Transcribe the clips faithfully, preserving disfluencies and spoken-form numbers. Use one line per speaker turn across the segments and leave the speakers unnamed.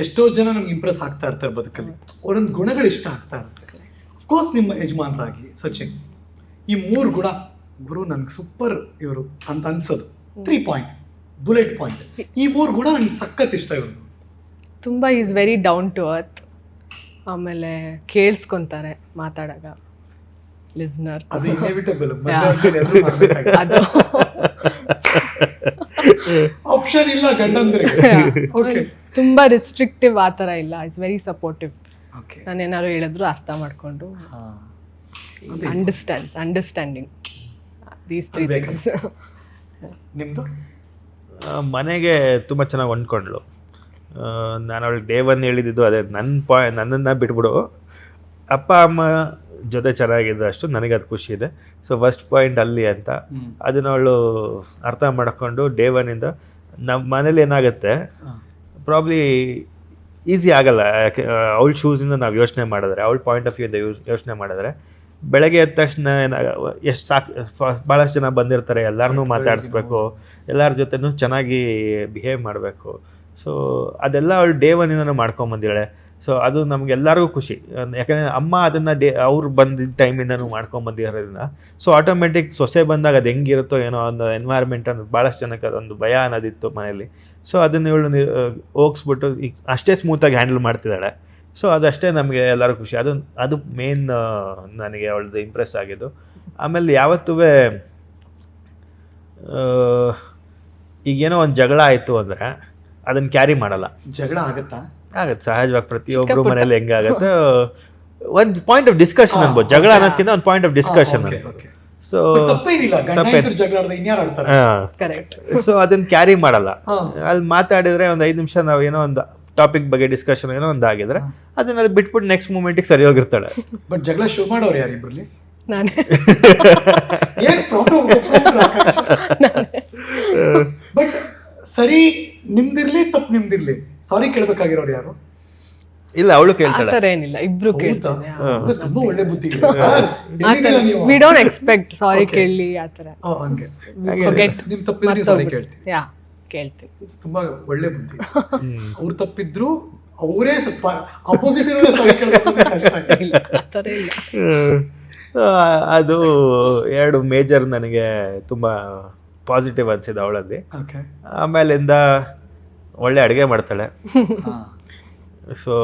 ಎಷ್ಟೋ ಜನ ನಮ್ಗೆ ಇಂಪ್ರೆಸ್ ಆಗ್ತಾ ಇರ್ತಾರೆ ಬದುಕಲ್ಲಿ, ಒಂದೊಂದು ಗುಣಗಳು ಇಷ್ಟ ಆಗ್ತಾ ಇರುತ್ತೆ. ಅಫ್ಕೋರ್ಸ್ ನಿಮ್ಮ ಯಜಮಾನರಾಗಿ ಸಚಿನ್ ಈ ಮೂರು ಗುಣ ಗುರು ನನಗೆ ಸೂಪರ್ ಇವರು ಅಂತ ಅನ್ಸೋದು, ತ್ರೀ ಪಾಯಿಂಟ್ ಬುಲೆಟ್ ಪಾಯಿಂಟ್, ಈ ಮೂರು ಗುಣ ನನಗೆ ಸಖತ್ ಇಷ್ಟ ಇರೋದು.
ತುಂಬ is very down to earth, ಆಮೇಲೆ ಕೇಳಿಸ್ಕೊಂತಾರೆ ಮಾತಾಡಾಗ, ಲಿಸ್ನರ್.
ಅದು ಇನ್ಎವಿಟಬಲ್,
ಅದು
ಆಪ್ಷನ್ ಇಲ್ಲ ಗಂಡಂದ್ರೆ.
ತುಂಬ ರಿಸ್ಟ್ರಿಕ್ಟಿವ್ ಆ ಥರ ಇಲ್ಲ, ಇಟ್ಸ್ ವೆರಿ ಸಪೋರ್ಟಿವ್. ನಾನು ಏನಾದ್ರು ಹೇಳಿದ್ರು ಅರ್ಥ ಮಾಡಿಕೊಂಡು understands understanding these three things.
ನಿಮ್ಮದು
ಮನೆಗೆ ತುಂಬ ಚೆನ್ನಾಗಿ ಹೊಂದ್ಕೊಂಡ್ಳು. ನಾನು ಅವಳಿಗೆ ಡೇ ಒನ್ ಹೇಳಿದ್ದು ಅದೇ, ನನ್ನ ಪಾಯ್ ನನ್ನನ್ನು ಬಿಟ್ಬಿಡು, ಅಪ್ಪ ಅಮ್ಮ ಜೊತೆ ಚೆನ್ನಾಗಿದ್ದು ಅಷ್ಟು ನನಗೆ ಅದು ಖುಷಿ ಇದೆ. ಸೊ ಫಸ್ಟ್ ಪಾಯಿಂಟ್ ಅಲ್ಲಿ ಅಂತ ಅದನ್ನ ಅವಳು ಅರ್ಥ ಮಾಡಿಕೊಂಡು ಡೇ ಒನ್ನಿಂದ ನಮ್ಮ ಮನೇಲಿ ಏನಾಗುತ್ತೆ ಪ್ರಾಬ್ಲಿ ಈಸಿ ಆಗಲ್ಲ. ಯಾಕೆ ಅವಳ ಶೂಸಿಂದ ನಾವು ಯೋಚನೆ ಮಾಡಿದ್ರೆ, ಅವಳ ಪಾಯಿಂಟ್ ಆಫ್ ವ್ಯೂಯಿಂದ ಯೂಸ್ ಯೋಚನೆ ಮಾಡಿದ್ರೆ ಬೆಳಗ್ಗೆ ಎದ್ದ ತಕ್ಷಣ ಎಷ್ಟು ಸಾಕು, ಭಾಳಷ್ಟು ಜನ ಬಂದಿರ್ತಾರೆ, ಎಲ್ಲರನ್ನೂ ಮಾತಾಡಿಸ್ಬೇಕು, ಎಲ್ಲರ ಜೊತೆನೂ ಚೆನ್ನಾಗಿ ಬಿಹೇವ್ ಮಾಡಬೇಕು. ಸೊ ಅದೆಲ್ಲ ಅವಳು ಡೇ ಒನ್ನಿಂದನೂ ಮಾಡ್ಕೊಂಬಂದಿದ್ದಾಳೆ. ಸೊ ಅದು ನಮಗೆಲ್ಲರಿಗೂ ಖುಷಿ, ಯಾಕಂದರೆ ಅಮ್ಮ ಅದನ್ನು ಡೇ ಅವ್ರು ಬಂದಿದ್ದ ಟೈಮಿಂದನೂ ಮಾಡ್ಕೊಂಬಂದಿರೋದ್ರಿಂದ. ಸೊ ಆಟೋಮೆಟಿಕ್ ಸೊಸೆ ಬಂದಾಗ ಅದು ಹೆಂಗಿರುತ್ತೋ ಏನೋ ಒಂದು ಎನ್ವೈರ್ಮೆಂಟ್ ಅನ್ನೋದು ಭಾಳಷ್ಟು ಜನಕ್ಕೆ ಅದೊಂದು ಭಯ ಅನ್ನೋದಿತ್ತು ಮನೇಲಿ. ಸೊ ಅದನ್ನು ಇವಳು ಹೋಗಿಸ್ಬಿಟ್ಟು ಈಗ ಅಷ್ಟೇ ಸ್ಮೂತಾಗಿ ಹ್ಯಾಂಡಲ್ ಮಾಡ್ತಿದ್ದಾಳೆ. ಸೊ ಅದಷ್ಟೇ ನಮಗೆ ಎಲ್ಲರೂ ಖುಷಿ. ಅದು ಅದು ಮೇನ್ ನನಗೆ ಅವಳದು ಇಂಪ್ರೆಸ್ ಆಗಿದ್ದು. ಆಮೇಲೆ ಯಾವತ್ತೂ ಈಗೇನೋ ಒಂದು ಜಗಳ ಆಯಿತು ಅಂದರೆ ಅದನ್ನು ಕ್ಯಾರಿ ಮಾಡಲ್ಲ.
ಜಗಳ ಆಗುತ್ತಾ?
ಆಗತ್ತೆ ಸಹಜವಾಗಿ, ಪ್ರತಿಯೊಬ್ಬರು ಮನೇಲಿ ಹೆಂಗಾಗತ್ತೆ, ಒಂದು ಪಾಯಿಂಟ್ ಆಫ್ ಡಿಸ್ಕಷನ್ ಅನ್ಬೋದು. ಜಗಳ ಅನ್ನೋದಕ್ಕಿಂತ ಒಂದು point of discussion. So so ಅದನ್ನ ಕ್ಯಾರಿ ಮಾಡಲ್ಲ. ಅಲ್ಲಿ ಮಾತಾಡಿದ್ರೆ ಒಂದು ಐದು ನಿಮಿಷ ನಾವು ಏನೋ ಒಂದು ಟಾಪಿಕ್ ಬಗ್ಗೆ ಡಿಸ್ಕಷನ್ ಏನೋ ಒಂದು ಆಗಿದ್ರೆ ಅದನ್ನ ಬಿಟ್ಬಿಟ್ಟು ನೆಕ್ಸ್ಟ್ ಮೂಮೆಂಟಿಗೆ ಸರಿ ಹೋಗಿರ್ತಾಳೆ.
ಬಟ್ ಜಗಳ ಶುರು ಮಾಡೋರು ಯಾರು ಇಬ್ರಲ್ಲಿ?
ನಾನೇ.
ಬಟ್ ಸರಿ ನಿಮ್ದಿರ್ಲಿ ತಪ್ಪು ನಿಮ್ದಿರ್ಲಿ ಸಾರಿ ಕೇಳ್ಬೇಕಾಗಿರೋರು ಯಾರು?
ಇಲ್ಲ, ಅವಳು ಕೇಳ್ತಾಳೆ.
ಆತರ ಏನಿಲ್ಲ, ಇಬ್ರು ಕೇಳ್ತಾರೆ.
ತುಂಬಾ ಒಳ್ಳೆ ಬುದ್ಧಿ.
ವಿ ಡೋಂಟ್ ಎಕ್ಸ್ಪೆಕ್ಟ್ ಸಾರಿ ಕೇಳಲಿ ಆತರ.
ನಿಮ್ ತಪ್ಪಿದ್ರೆ ಸಾರಿ ಕೇಳ್ತೀವಿ.
ಯಾ ಕೇಳ್ತೀವಿ.
ತುಂಬಾ ಒಳ್ಳೆ ಬುದ್ಧಿ. ಅವ್ರು ತಪ್ಪಿದ್ರು ಅವರೇ ಸ್ವಲ್ಪ ಅಪೋಸಿಟ್ ಇರೋದೇ ಸಾರಿ ಕೇಳಬೇಕು ಕಷ್ಟ.
ಇಲ್ಲ ಆತರ ಇಲ್ಲ.
ಅದು ಎರಡು ಮೇಜರ್ ನನಗೆ ತುಂಬ ಪಾಸಿಟಿವ್ ಅನಿಸಿದೆ ಅವಳಲ್ಲಿ. ಆಮೇಲಿಂದ ಒಳ್ಳೆ ಅಡುಗೆ ಮಾಡ್ತಾಳೆ. ಸೊ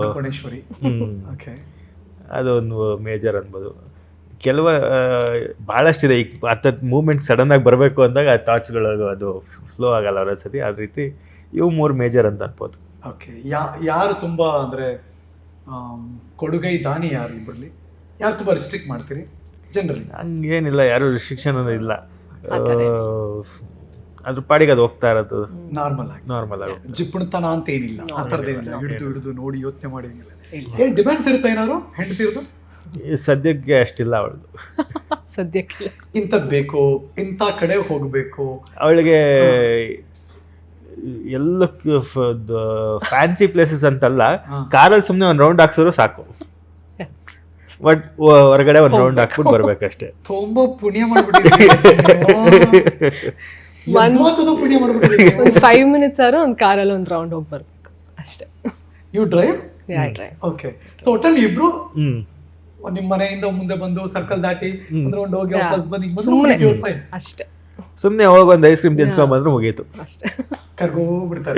ಅದೊಂದು ಮೇಜರ್ ಅನ್ಬೋದು. ಕೆಲವು ಭಾಳಷ್ಟಿದೆ. ಈಗ ಹತ್ತತ್ತು ಮೂಮೆಂಟ್ ಸಡನ್ನಾಗಿ ಬರಬೇಕು ಅಂದಾಗ ಆ ಥಾಟ್ಸ್ಗಳು ಅದು ಫ್ಲೋ ಆಗಲ್ಲ ಅವರ ಸತಿ. ಅದ ರೀತಿ ಇವು ಮೂರು ಮೇಜರ್ ಅಂತ ಅನ್ಬೋದು.
ಓಕೆ, ಯಾರು ತುಂಬ ಅಂದರೆ ಕೊಡುಗೈ ದಾನಿ ಯಾರು ಇಬ್ಬರಲ್ಲಿ? ಯಾರು ತುಂಬ ರಿಸ್ಟ್ರಿಕ್ಟ್ ಮಾಡ್ತೀರಿ ಜನರಲಿ?
ಹಂಗೇನಿಲ್ಲ, ಯಾರು ರಿಸ್ಟ್ರಿಕ್ಷನ್ ಅನ್ನೋದು ಇಲ್ಲ. ಅದ್ರ ಪಾಡಿಗೆ ಅದು ಹೋಗ್ತಾ ಇರೋದು
ನಾರ್ಮಲ್ ಆಗಿ
ನಾರ್ಮಲ್ ಆಗಿ.
ಜಿಪ್ಪುಣತನ ಅಂತ ಏನಿಲ್ಲ, ಆ ಥರದ್ದೇನಿಲ್ಲ. ಹಿಡಿದು ಹಿಡಿದು ನೋಡಿ ಯೋಚನೆ ಮಾಡಿ ಏನು ಡಿಮ್ಯಾಂಡ್ಸ್ ಇರುತ್ತೆ ಏನಾದ್ರು ಹೆಂಡ್ತಿರ್ದು?
ಸದ್ಯಕ್ಕೆ ಅಷ್ಟಿಲ್ಲ ಅವಳದು.
ಸದ್ಯಕ್ಕೆ
ಇಂಥದ್ದು ಬೇಕು, ಇಂಥ ಕಡೆ ಹೋಗಬೇಕು.
ಅವಳಿಗೆ ಎಲ್ಲ ಫ್ಯಾನ್ಸಿ ಪ್ಲೇಸಸ್ ಅಂತಲ್ಲ, ಕಾರಲ್ಲಿ ಸುಮ್ಮನೆ ಒಂದು ರೌಂಡ್ ಹಾಕ್ಸಿದ್ರು ಸಾಕು. ಬಟ್ ಹೊರಗಡೆ ಒಂದು ರೌಂಡ್ ಹಾಕ್ಬಿಟ್ಟು ಬರ್ಬೇಕಷ್ಟೇ.
ತುಂಬಾ ಪುಣ್ಯ ಮಾಡ್ಬಿಟ್ಟಿದ್ದೀವಿ. ಪುಣ್ಯ ಮಾಡ್ಬಿಟ್ಟಿದ್ದೀವಿ.
ಒಂದು ಫೈವ್ ಮಿನಿಟ್ಸ್ ಆದ್ರೂ ಒಂದು ಕಾರಲ್ಲಿ ಒಂದು ರೌಂಡ್ ಹೋಗಿ ಬರ್ಬೇಕು ಅಷ್ಟೇ.
You drive?
Yeah drive.
Okay. So ಒಟ್ಟಲ್ಲಿ ಇಬ್ರು ನಿಮ್ಮ ಮನೆಯಿಂದ ಮುಂದೆ ಬಂದು ಸರ್ಕಲ್ ದಾಟಿ ಒಂದು ರೌಂಡ್ ಹೋಗಿ ವಾಪಸ್ ಬಂದು ಹಿಂಗ್ ಬಂದು
ಅಷ್ಟೇ.
ಸುಮ್ಮನೆ ಹೋಗಿ ಒಂದು ಐಸ್ ಕ್ರೀಮ್ ತಿನ್ಸ್ಕೊಂಡ್ ಬಂದ್ರೆ ಮುಗೀತು.
ಅಷ್ಟೇ. ಕರ್ಗೋಗ್ಬಿಡ್ತಾರೆ.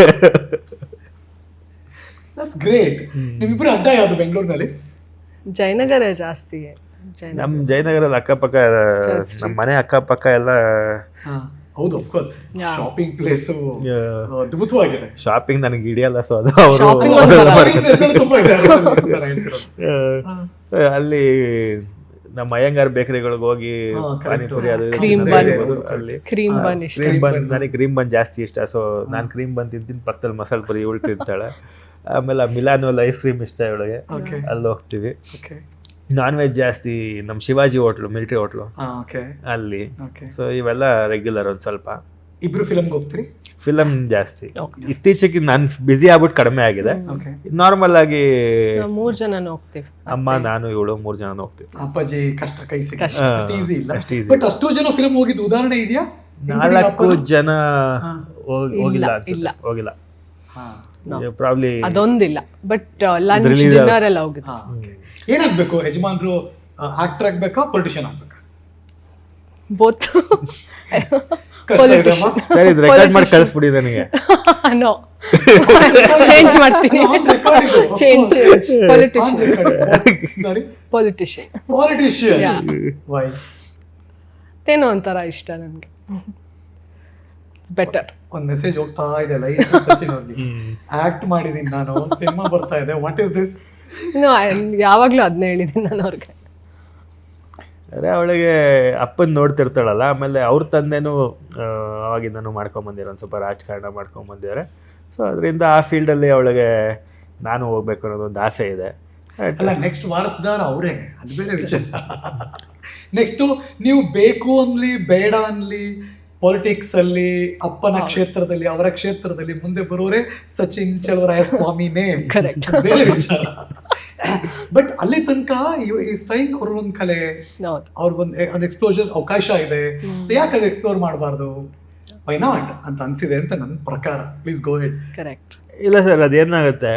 That's great. ನಿಮ್ಮಿಬ್ರು ಅಡ್ಡ ಯಾವ್ದು ಬೆಂಗಳೂರಿನಲ್ಲಿ?
ಜಯನಗರ ಜಾಸ್ತಿ.
ನಮ್ಮ ಜಯನಗರಲ್ಲಿ ಅಕ್ಕಪಕ್ಕ ನಮ್ಮ ಮನೆ ಅಕ್ಕಪಕ್ಕ ಎಲ್ಲ.
ಹೌದು, ಆಫ್ಕೋರ್ಸ್ ಶಾಪಿಂಗ್ ಪ್ಲೇಸ್ ಅದ್ಭುತವಾಗಿದೆ.
ಶಾಪಿಂಗ್ ನನಗೆ ಹಿಡಿಯಲ್ಲ, ಸೊ ಅದು ಅವರು ಅಲ್ಲಿ ನಮ್ಮ ಅಯ್ಯಂಗಾರ್ ಬೇಕರಿಗಳಿಗೆ ಹೋಗಿ ಪಾನಿಪುರಿ ಅದು ಅಲ್ಲಿ ಕ್ರೀಮ್ ಬನ್, ನನಗೆ ಕ್ರೀಮ್ ಬನ್ ಜಾಸ್ತಿ ಇಷ್ಟ. ಸೊ ನಾನು ಕ್ರೀಮ್ ಬನ್ ತಿಂತೀನಿ, ಪಕ್ಕದಲ್ಲಿ ಮಸಾಲೆ ಪುರಿ ಇವಳು ತಿಂತಾಳೆ. ಆಮೇಲೆ ಮಿಲಾನೋಲ್ ಐಸ್ ಕ್ರೀಮ್ ಇಷ್ಟ ಇವಳಿಗೆ, ಅಲ್ಲಿ ಹೋಗ್ತೀವಿ. ನಾನ್ ವೆಜ್ ಜಾಸ್ತಿ ನಮ್ಮ ಶಿವಾಜಿ ಹೋಟ್ಲು, ಮಿಲಿಟರಿ ಹೋಟ್ಲು ಅಲ್ಲಿ. ಸೊ ಇವೆಲ್ಲ ರೆಗ್ಯುಲರ್. ಒಂದು ಸ್ವಲ್ಪ
ಇಬ್ರು ಫಿಲಮ್ಗೆ ಹೋಗ್ತೀರಿ?
ಫಿಲಮ್ ಜಾಸ್ತಿ. ಇತ್ತೀಚೆಗೆ ನಾನು ಬಿಸಿ ಆಗ್ಬಿಟ್ಟು ಕಡಿಮೆ ಆಗಿದೆ. ನಾರ್ಮಲ್ ಆಗಿ
ಮೂರ್ ಜನ ಹೋಗ್ತೀವಿ,
ಅಮ್ಮ ನಾನು ಇವಳು ಮೂರ್ ಜನ ಹೋಗ್ತೀವಿ.
ಅಪ್ಪಾಜಿ ಕಷ್ಟ ಕೈ ಈಸಿ ಇಲ್ಲ. ಬಟ್ ಅಷ್ಟು ಜನ ಫಿಲಮ್ ಹೋಗಿದ್ದು ಉದಾಹರಣೆ ಇದೆಯಾ?
ನಾಲ್ಕು ಜನ ಹೋಗಿಲ್ಲ ಹೋಗಿಲ್ಲ
ಹಾ
ಪ್ರಾಬ್ಲಿ
ಅದೊಂದಿಲ್ಲ ಬಟ್ ಲಂಚ್
Release
ಡಿನ್ನರ್ ಎಲ್ಲ ಹೋಗುತ್ತೆ.
ಹಾ ಏನಾಗ್ಬೇಕು ಯಜಮಾನ್ರು? ಆಕ್ಟರ್ ಆಗ್ಬೇಕಾ ಪೊಲಿಟಿಷಿಯನ್ ಆಗ್ಬೇಕಾ?
ಬೋತ್.
ಕಷ್ಟ ಇದೆ ಅಮ್ಮ.
ಸರಿ ರೆಕಾರ್ಡ್ ಮಾಡಿ ಕಳಿಸ್ಬಿಡಿ ನನಗೆ.
ನೋ ಚೇಂಜ್ ಮಾಡ್ತೀನಿ. Change change politician
sorry
politician
politician. Why?
ಏನೋ ಒಂಥರ ಇಷ್ಟ ನನಗೆ. ಬೆಟರ್.
ಒಂದ್ ಮೆಸೇಜ್ ಹೋಗ್ತಾ ಇದೆ ಲೈಟ್ ಸಚಿನ್ ಅವ್ರಿಗೆ. ಆಕ್ಟ್ ಮಾಡಿದೀನಿ ನಾನು, ಸಿನಿಮಾ ಬರ್ತಾ ಇದೆ, ವಾಟ್ ಇಸ್ ದಿಸ್?
ನೋ ಯಾವಾಗ್ಲೂ ಅದನ್ನೇ ಹೇಳಿದ್ದೀನಿ ನಾನು ಅವ್ರಿಗೆ.
ಅರೆ ಅವಳಿಗೆ ಅಪ್ಪನ ನೋಡ್ತಿರ್ತಾಳಲ್ಲ, ಆಮೇಲೆ ಅವ್ರ ತಂದೆನೂ ಅವಾಗಿಂದನೂ ಮಾಡ್ಕೊಂಬಂದಿರೋ ಒಂದು ಸ್ವಲ್ಪ ರಾಜಕಾರಣ ಮಾಡ್ಕೊಂಬಂದಿದ್ದಾರೆ. ಸೊ ಅದರಿಂದ ಆ ಫೀಲ್ಡಲ್ಲಿ ಅವಳಿಗೆ ನಾನು ಹೋಗ್ಬೇಕು ಅನ್ನೋದೊಂದು ಆಸೆ ಇದೆ.
ಅಲ್ಲ ನೆಕ್ಸ್ಟ್ ವಾರಸ್ದಾರ ಅವರೇ, ಅದು ಬೇರೆ ವಿಚಾರ. ನೆಕ್ಸ್ಟು ನೀವು ಬೇಕು ಅನ್ಲಿ ಬೇಡ ಅನ್ಲಿ ಪಾಲಿಟಿಕ್ಸ್ ಅಲ್ಲಿ ಅಪ್ಪನ ಕ್ಷೇತ್ರದಲ್ಲಿ ಅವರ ಕ್ಷೇತ್ರದಲ್ಲಿ ಮುಂದೆ ಬರೋರೆ ಸಚಿನ್ ಚಲುವರಾಯ ಸ್ವಾಮಿನೇ, ಬೇರೆ ವಿಚಾರ. ಬಟ್ ಅಲ್ಲಿ ತನಕ ಈ ಸ್ಟೈಂಗ್ ಅವ್ರಿಗೊಂದು ಕಲೆ, ಅವ್ರಿಗೊಂದು ಒಂದು ಎಕ್ಸ್ಪ್ಲೋಜರ್ ಅವಕಾಶ ಇದೆ. ಸೊ ಯಾಕೆ ಅದು ಎಕ್ಸ್ಪ್ಲೋರ್ ಮಾಡಬಾರ್ದು? ವೈ ನಾಟ್ ಅಂತ ಅನ್ಸಿದೆ ಅಂತ ನನ್ನ ಪ್ರಕಾರ. Please go ahead.
ಕರೆಕ್ಟ್.
ಇಲ್ಲ ಸರ್, ಅದೇನಾಗುತ್ತೆ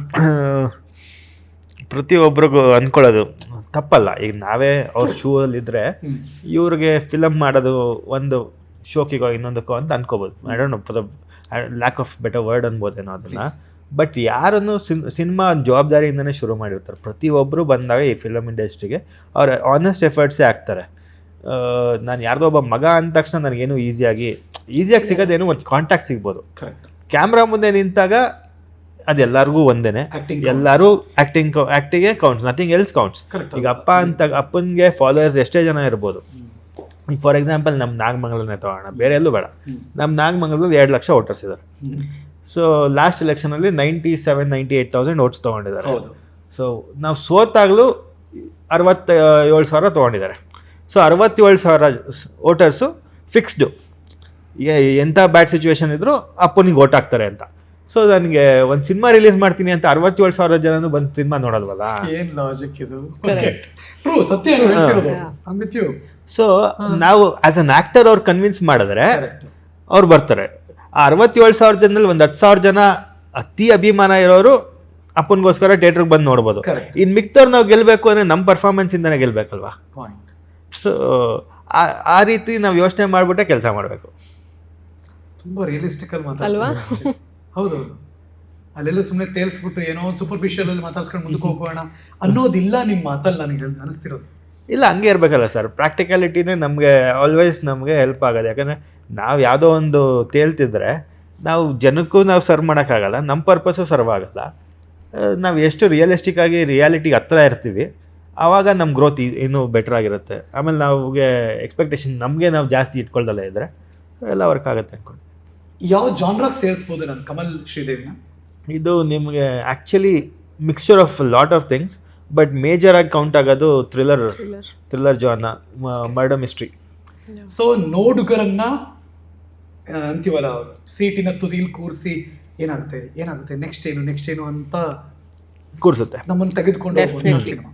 ಪ್ರತಿಯೊಬ್ಬರಿಗೂ ಅಂದ್ಕೊಳ್ಳೋದು ತಪ್ಪಲ್ಲ. ಈಗ ನಾವೇ ಅವ್ರ ಶೂ ಅಲ್ಲಿದ್ದರೆ ಇವ್ರಿಗೆ ಫಿಲಮ್ ಮಾಡೋದು ಒಂದು ಶೋಕಿಗೋ ಇನ್ನೊಂದಕ್ಕೋ ಅಂತ ಅನ್ಕೋಬೋದು. I don't know for the lack of better word ಅನ್ಬೋದೇನೋ ಅದನ್ನು. ಬಟ್ ಯಾರನ್ನು ಸಿನ್ ಸಿನಿಮಾ ಜವಾಬ್ದಾರಿಯಿಂದನೇ ಶುರು ಮಾಡಿರ್ತಾರೆ. ಪ್ರತಿಯೊಬ್ಬರು ಬಂದಾಗ ಈ ಫಿಲಮ್ ಇಂಡಸ್ಟ್ರಿಗೆ ಅವ್ರ ಆನೆಸ್ಟ್ ಎಫರ್ಟ್ಸೇ ಆಗ್ತಾರೆ. ನಾನು ಯಾರ್ದೋ ಒಬ್ಬ ಮಗ ಅಂದ ತಕ್ಷಣ ನನಗೇನು ಈಸಿಯಾಗಿ ಈಸಿಯಾಗಿ ಸಿಗೋದೇನು ಒಂದು ಕಾಂಟ್ಯಾಕ್ಟ್ ಸಿಗ್ಬೋದು. ಕ್ಯಾಮ್ರಾ ಮುಂದೆ ನಿಂತಾಗ ಅದೆಲ್ಲರಿಗೂ ಒಂದೇನೆ, ಎಲ್ಲರೂ ಆ್ಯಕ್ಟಿಂಗ್ ಆ್ಯಕ್ಟಿಗೆ ಕೌಂಟ್ಸ್, ನಥಿಂಗ್ ಎಲ್ಸ್ ಕೌಂಟ್ಸ್. ಈಗ ಅಪ್ಪ ಅಂತ ಅಪ್ಪನಿಗೆ ಫಾಲೋವರ್ಸ್ ಎಷ್ಟೇ ಜನ ಇರ್ಬೋದು. ಈಗ ಫಾರ್ ಎಕ್ಸಾಂಪಲ್ ನಮ್ಮ ನಾಗಮಂಗಲನೇ ತೊಗೊಳ್ಳೋಣ, ಬೇರೆ ಎಲ್ಲೂ ಬೇಡ. ನಮ್ಮ ನಾಗಮಂಗಲದಲ್ಲಿ ಎರಡು ಲಕ್ಷ ವೋಟರ್ಸ್ ಇದ್ದಾರೆ. ಸೊ ಲಾಸ್ಟ್ ಎಲೆಕ್ಷನಲ್ಲಿ ninety seven ninety eight thousand votes ತೊಗೊಂಡಿದ್ದಾರೆ. ಸೊ ನಾವು ಸೋತಾಗಲೂ ಅರವತ್ತ ಏಳು ಸಾವಿರ ತೊಗೊಂಡಿದ್ದಾರೆ. ಸೊ ಅರವತ್ತೇಳು ಸಾವಿರ ವೋಟರ್ಸು ಫಿಕ್ಸ್ಡು, ಎಂಥ ಬ್ಯಾಡ್ ಸಿಚುವೇಶನ್ ಇದ್ದರೂ ಅಪ್ಪನಿಗೆ ಓಟ್ ಹಾಕ್ತಾರೆ ಅಂತ. ಸೊ ನನಗೆ ಒಂದು ಸಿನಿಮಾ ರಿಲೀಸ್ ಮಾಡ್ತೀನಿ ಅಂತ ಅರವತ್ತೇಳು ಸಾವಿರ ಜನನು ಬಂದು ಸಿನಿಮಾ ನೋಡಲ್ವಲ್ಲ.
ಏನ್ ಲಾಜಿಕ್ ಇದು? ಟ್ರೂ, ಸತ್ಯ ಹೇಳ್ತಿರೋದು.
ಸೊ ನಾವು ಆಸ್ ಅನ್ ಆಕ್ಟರ್ ಅವ್ರು ಕನ್ವಿನ್ಸ್ ಮಾಡಿದ್ರೆ ಅವ್ರು ಬರ್ತಾರೆ. ಆ ಅರವತ್ತೇಳು ಸಾವಿರ ಜನದಲ್ಲಿ ಒಂದು ಹತ್ತು ಸಾವಿರ ಜನ ಅತಿ ಅಭಿಮಾನ ಇರೋರು ಅಪ್ಪನಿಗೋಸ್ಕರ ಥಿಯೇಟ್ರಿಗೆ ಬಂದು ನೋಡ್ಬೋದು. ಇನ್ನು ಮಿಕ್ತವ್ರು ನಾವು ಗೆಲ್ಲಬೇಕು ಅಂದರೆ ನಮ್ಮ ಪರ್ಫಾರ್ಮೆನ್ಸಿಂದನೇ ಗೆಲ್ಲಬೇಕಲ್ವಾ. ಸೊ ಆ ರೀತಿ ನಾವು ಯೋಚನೆ ಮಾಡಿಬಿಟ್ಟೆ ಕೆಲಸ ಮಾಡಬೇಕು.
ತುಂಬ ರಿಯಲಿಸ್ಟಿಕಲ್ ಮಾತಾಡ್ತೀವಿ. ಹೌದೌದು. ಅಲ್ಲೆಲ್ಲ ಸುಮ್ಮನೆ ತೇಲ್ಸ್ಬಿಟ್ಟು ಏನೋ ಒಂದು ಸೂಪರ್ಫಿಷಿಯಲ್ ಅಲ್ಲಿ ಮಾತಾಡ್ಸ್ಕೊಂಡು ಮುಂದಕ್ಕೆ ಹೋಗೋಣ ಅನ್ನೋದಿಲ್ಲ ನಿಮ್ಮ ಮಾತಲ್ಲಿ ನನಗೆ ಅನಿಸ್ತಿರೋದು.
ಇಲ್ಲ, ಹಂಗೆ ಇರಬೇಕಲ್ಲ ಸರ್. ಪ್ರಾಕ್ಟಿಕಾಲಿಟಿನೇ ನಮಗೆ ಆಲ್ವೇಸ್ ನಮಗೆ ಹೆಲ್ಪ್ ಆಗೋದು. ಯಾಕಂದರೆ ನಾವು ಯಾವುದೋ ಒಂದು ತೇಲ್ತಿದ್ರೆ ನಾವು ಜನಕ್ಕೂ ನಾವು ಸರ್ವ್ ಮಾಡೋಕ್ಕಾಗಲ್ಲ, ನಮ್ಮ ಪರ್ಪಸ್ಸು ಸರ್ವ್ ಆಗಲ್ಲ. ನಾವು ಎಷ್ಟು ರಿಯಲಿಸ್ಟಿಕ್ ಆಗಿ ರಿಯಾಲಿಟಿಗೆ ಹತ್ರ ಇರ್ತೀವಿ ಆವಾಗ ನಮ್ಮ ಗ್ರೋತ್ ಇನ್ನೂ ಬೆಟರ್ ಆಗಿರುತ್ತೆ. ಆಮೇಲೆ ನಾವುಗೆ ಎಕ್ಸ್ಪೆಕ್ಟೇಷನ್ ನಮಗೆ ನಾವು ಜಾಸ್ತಿ ಇಟ್ಕೊಳ್ದಲ್ಲೇ ಇದ್ದರೆ ಎಲ್ಲ ವರ್ಕ್ ಆಗುತ್ತೆ ಅಂದ್ಕೊಂಡು.
ಯಾವ ಜಾನ್ರಾಗೆ ಸೇರಿಸ್ಬೋದು ನಾನು ಕಮಲ್ ಶ್ರೀದೇವಿನ?
ಇದು ನಿಮಗೆ actually mixture of lot of things, but major ಆಗಿ ಕೌಂಟ್ ಆಗೋದು thriller thriller genre, murder mystery.
So ನೋಡುಗರನ್ನ ಅಂತೀವಲ್ಲ ಸೀಟಿನ ತುದಿಲ್ ಕೂರಿಸಿ ಏನಾಗುತ್ತೆ ಏನಾಗುತ್ತೆ ನೆಕ್ಸ್ಟ್ ಏನು ನೆಕ್ಸ್ಟ್ ಏನು ಅಂತ
ಕೂರಿಸುತ್ತೆ,
ನಮ್ಮನ್ನು ತೆಗೆದುಕೊಂಡು ಹೋಗುವಂಥ ಸಿನಿಮಾ.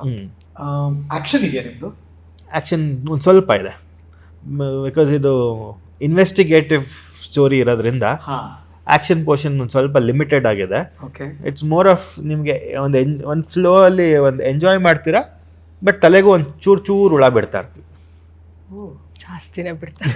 ಆ್ಯಕ್ಷನ್ ಇದೆಯಾ ನಿಮ್ಮದು?
ಆ್ಯಕ್ಷನ್ ಒಂದು ಸ್ವಲ್ಪ ಇದೆ, ಬಿಕಾಸ್ ಇದು ಇನ್ವೆಸ್ಟಿಗೇಟಿವ್ ಸ್ಟೋರಿ ಇರೋದ್ರಿಂದ ಆ್ಯಕ್ಷನ್ ಪೋರ್ಷನ್ ಒಂದು ಸ್ವಲ್ಪ ಲಿಮಿಟೆಡ್ ಆಗಿದೆ.
ಓಕೆ, ಇಟ್ಸ್
ಮೋರ್ ಆಫ್ ನಿಮಗೆ ಒಂದು ಎನ್ ಒಂದು ಫ್ಲೋ ಅಲ್ಲಿ ಒಂದು ಎಂಜಾಯ್ ಮಾಡ್ತೀರಾ, ಬಟ್ ತಲೆಗೂ ಒಂದು ಚೂರು ಚೂರು ಹುಳ ಬಿಡ್ತಾ ಇರ್ತೀವಿ.
ಜಾಸ್ತಿನೇ ಬಿಡ್ತಾರೆ.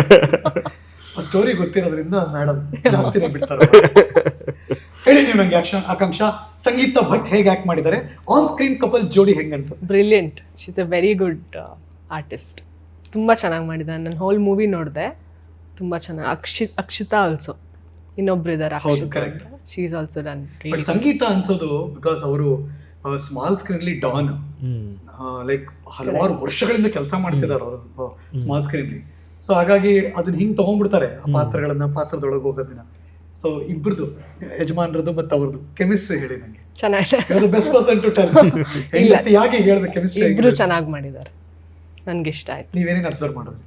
ಸ್ಟೋರಿ ಗೊತ್ತಿರೋದ್ರಿಂದ ಮೇಡಮ್ ಜಾಸ್ತಿನೇ ಬಿಡ್ತಾರೆ. ಹೇಳಿ ನೀವು ನಂಗೆ ಆಕ್ಷನ್ ಆಕಾಂಕ್ಷ ಸಂಗೀತ ಭಟ್ ಹೇಗೆ ಆಕ್ಟ್ ಮಾಡಿದ್ದಾರೆ, ಆನ್ ಸ್ಕ್ರೀನ್ ಕಪಲ್ ಜೋಡಿ ಹೆಂಗೆ ಅನ್ಸುತ್ತೆ?
Brilliant, she is a very good artist. ತುಂಬ ಚೆನ್ನಾಗಿ ಮಾಡಿದ್ದಾನೆ. ನಾನು ಹೋಲ್ ಮೂವಿ ನೋಡಿದೆ, ತುಂಬ ಚೆನ್ನಾಗಿ. ಅಕ್ಷಿತ್ ಅಕ್ಷಿತಾ ಆಲ್ಸೋ ಇನ್ನೊಬ್ರು ಇದ್ದಾರೆ.
ಹೌದು, correct.
She is also done.
But Sangeetha ಅನ್ಸೋದು ಬಿಕಾಸ್ ಅವರು ಸ್ಮಾಲ್ ಸ್ಕ್ರೀನ್ ಅಲ್ಲಿ ಡಾನ್ ಲೈಕ್ ಹಲವಾರು ವರ್ಷಗಳಿಂದ ಕೆಲಸ ಮಾಡ್ತಿದ್ದಾರೆ ಅವರು ಸ್ಮಾಲ್ ಸ್ಕ್ರೀನ್. ಸೊ ಹಾಗಾಗಿ ಅದನ್ನ ಹಿಂಗೆ ತಗೊಂಡ್ಬಿಡ್ತಾರೆ ಆ ಪಾತ್ರಗಳನ್ನ, ಪಾತ್ರದೊಳಗೆ ಹೋಗೋದನ್ನ. ಸೊ ಇಬ್ಬರದು ಯಜಮಾನ್ರದ್ದು ಮತ್ತು ಅವ್ರದ್ದು ಕೆಮಿಸ್ಟ್ರಿ ಹೇಳಿ ನನಗೆ.
ಚೆನ್ನಾಗಿದೆ.
Best person to tell. ಯಾಕೆ ಹೇಳ್ಬೇಕು ಕೆಮಿಸ್ಟ್ರಿ?
ಇಬ್ರು ಚೆನ್ನಾಗಿ ಮಾಡಿದ್ದಾರೆ, ನನಗೆ ಇಷ್ಟ ಆಯ್ತು.
ನೀವೇನೇನು ಅಬ್ಸರ್ವ್ ಮಾಡಿದ್ರಿ?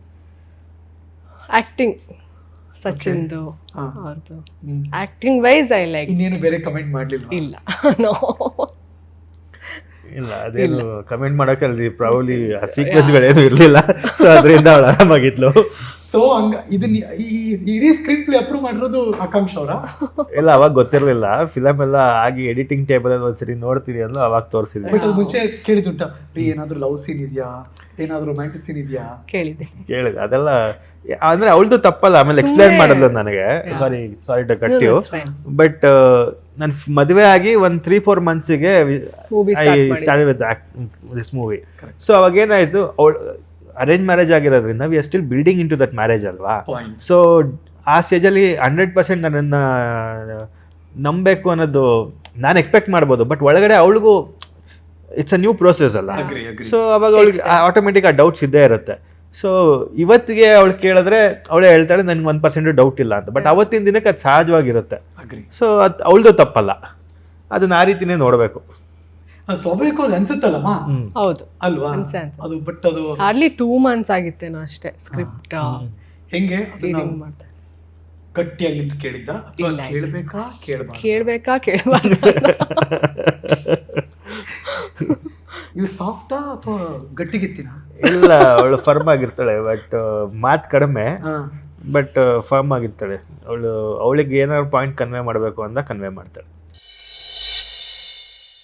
ಆಕ್ಟಿಂಗ್ ಸಚಿನ್ದು ಅವ್ರದ್ದು ಆಕ್ಟಿಂಗ್ ವೈಸ್ ಐ ಲೈಕ್.
ಇನ್ನೇನು ಬೇರೆ ಕಮೆಂಟ್ ಮಾಡಲಿಲ್ಲ?
ಇಲ್ಲ, ನೋ.
ಇಲ್ಲ ಅದೇನು ಕಮೆಂಟ್ ಮಾಡೋಕೆ ಅಲ್ಲಿ ಪ್ರಾಬಲಿ ಆ ಸೀಕ್ವೆನ್ಸ್ಗಳೇನು ಇರಲಿಲ್ಲ, ಸೊ ಅದರಿಂದ ಅವಳು ಆರಾಮಾಗಿದ್ಲು.
ಸೊ ಹಂಗ ಇದನ್ನ ಈ ಇಡೀ ಸ್ಕ್ರೀನ್ ಪ್ಲೇ ಅಪ್ರೂವ್ ಮಾಡಿರೋದು ಆಕಾಂಕ್ಷ ಅವರ?
ಇಲ್ಲ ಅವಾಗ ಗೊತ್ತಿರಲಿಲ್ಲ, ಫಿಲಮ್ ಎಲ್ಲ ಆಗಿ ಎಡಿಟಿಂಗ್ ಟೇಬಲ್ ಅಲ್ಲಿ ಒಂದ್ಸರಿ ನೋಡ್ತೀರಿ ಅಂದ್ಲು, ಅವಾಗ ತೋರಿಸಿದ್ವಿ.
ಬಟ್ ಅದು ಮುಂಚೆ ಕೇಳಿದುಂಟ ರೀ ಏನಾದ್ರು ಲವ್ ಸೀನ್ ಇದೆಯಾ, ಏನಾದ್ರು ರೊಮ್ಯಾಂಟಿಕ್ ಸೀನ್ ಇದೆಯಾ
ಕೇಳಿದೆ
ಕೇಳಿದೆ. ಅದೆಲ್ಲ ಅಂದ್ರೆ ಅವಳದು ತಪ್ಪಲ್ಲ, ಆಮೇಲೆ ಎಕ್ಸ್ಪ್ಲೈನ್ ಮಾಡಿದ್ಲು ನನಗೆ. Sorry sorry to cut you, but ನನ್ನ ಮದುವೆ ಆಗಿ ಒಂದು ತ್ರೀ ಫೋರ್ ಮಂತ್ಸಿಗೆ I start with this movie. So ಅವಾಗ ಏನಾಯ್ತು, ಅವಳು ಅರೇಂಜ್ ಮ್ಯಾರೇಜ್ ಆಗಿರೋದ್ರಿಂದ we are still building into that marriage ಅಲ್ವಾ. ಸೊ ಆ ಸ್ಟೇಜಲ್ಲಿ ಹಂಡ್ರೆಡ್ ಪರ್ಸೆಂಟ್ ನನ್ನನ್ನು ನಂಬಬೇಕು ಅನ್ನೋದು ನಾನು ಎಕ್ಸ್ಪೆಕ್ಟ್ ಮಾಡ್ಬೋದು, ಬಟ್ ಒಳಗಡೆ ಅವಳಿಗೂ ಇಟ್ಸ್ ಅ ನ್ಯೂ ಪ್ರೋಸೆಸ್ ಅಲ್ಲ. ಸೊ ಅವಾಗ ಅವಳಿಗೆ ಆಟೋಮೆಟಿಕ್ ಆ ಡೌಟ್ಸ್ ಇದ್ದೇ ಇರುತ್ತೆ. ಸೊ ಇವತ್ತಿಗೆ ಅವಳು ಕೇಳಿದ್ರೆ ಅವಳೇ ಹೇಳ್ತಾಳೆ ನನ್ಗೆ ಒಂದು ಪರ್ಸೆಂಟ್ ಡೌಟ್ ಇಲ್ಲ ಅಂತ, ಬಟ್ ಅವತ್ತಿನ ದಿನಕ್ಕೆ ಅದು ಸಹಜವಾಗಿರುತ್ತೆ. ಸೊ ಅದು ಅವಳದು ತಪ್ಪಲ್ಲ, ಅದನ್ನ ಆ ರೀತಿನೇ ನೋಡಬೇಕು.
ಸ್ವಾಭಾವಿಕವಾಗಿ ಅನ್ಸುತ್ತಲ್ಲಮ್ಮ,
ಹೌದು
ಅಲ್ವಾ
ಅನ್ಸೆ ಅನ್ಸೆ.
ಅದು. ಬಟ್ ಅದು
ಹಾರ್ಡ್ಲಿ ಟೂ ಮಂತ್ಸ್ ಆಗಿತ್ತೇನೋ ಅಷ್ಟೇ ಸ್ಕ್ರಿಪ್ಟ್
ಹೆಂಗೆ ಅದನ್ನ
ರೀಡಿಂಗ್ ಮಾಡ್ದೆ.
ಗಟ್ಟಿಯಾಗಿ ನಿಂತು ಕೇಳಿದ್ದ ಅಥವಾ
ಇಲ್ಲ.
ಕೇಳ್ಬೇಕಾ ಕೇಳ್ಬಾರ್ದು?
ಕೇಳ್ಬೇಕಾ ಕೇಳಬಾರ್ದು
ಇವು ಸಾಫ್ಟಾ ಅಥವಾ ಗಟ್ಟಿಗಿತ್ತಿನ?
ಇಲ್ಲ ಅವಳು ಫರ್ಮ್ ಆಗಿರ್ತಾಳೆ, ಬಟ್ ಮಾತು ಕಡಿಮೆ, ಬಟ್ ಫರ್ಮ್ ಆಗಿರ್ತಾಳೆ ಅವಳು. ಅವಳಿಗೆ ಏನಾದ್ರು ಪಾಯಿಂಟ್ ಕನ್ವೆ ಮಾಡಬೇಕು ಅಂತ ಕನ್ವೆ ಮಾಡ್ತಾಳೆ.